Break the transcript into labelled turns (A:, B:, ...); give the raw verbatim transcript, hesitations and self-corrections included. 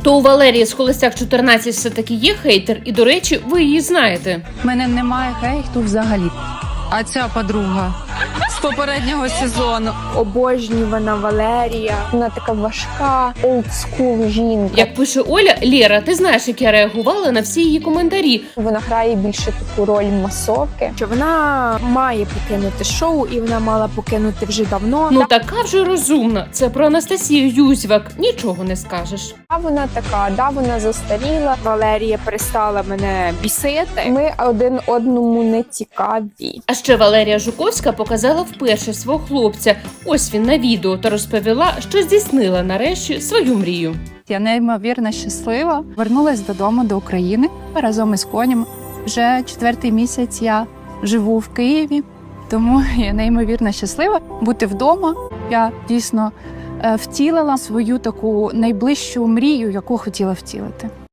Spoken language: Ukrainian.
A: То у Валерії з Холостяк чотирнадцять все-таки є хейтер, і, до речі, ви її знаєте.
B: У мене немає хейту взагалі. А ця подруга з попереднього сезону.
C: Обожнювана Валерія. Вона така важка, олдскул жінка.
A: Як пише Оля, Лєра, ти знаєш, як я реагувала на всі її коментарі.
C: Вона грає більше таку роль масовки. Що вона має покинути шоу, і вона мала покинути вже давно.
A: Ну така вже розумна. Це про Анастасію Юзьвак. Нічого не скажеш.
C: А вона така, да, вона застаріла. Валерія перестала мене бісити. Ми один одному не цікаві.
A: А ще Валерія Жуковська показала вперше свого хлопця. Ось він на відео та розповіла, що здійснила нарешті свою мрію.
B: Я неймовірно щаслива. Вернулась додому до України разом із конем. Вже четвертий місяць я живу в Києві, тому я неймовірно щаслива бути вдома. Я дійсно е, втілила свою таку найближчу мрію, яку хотіла втілити.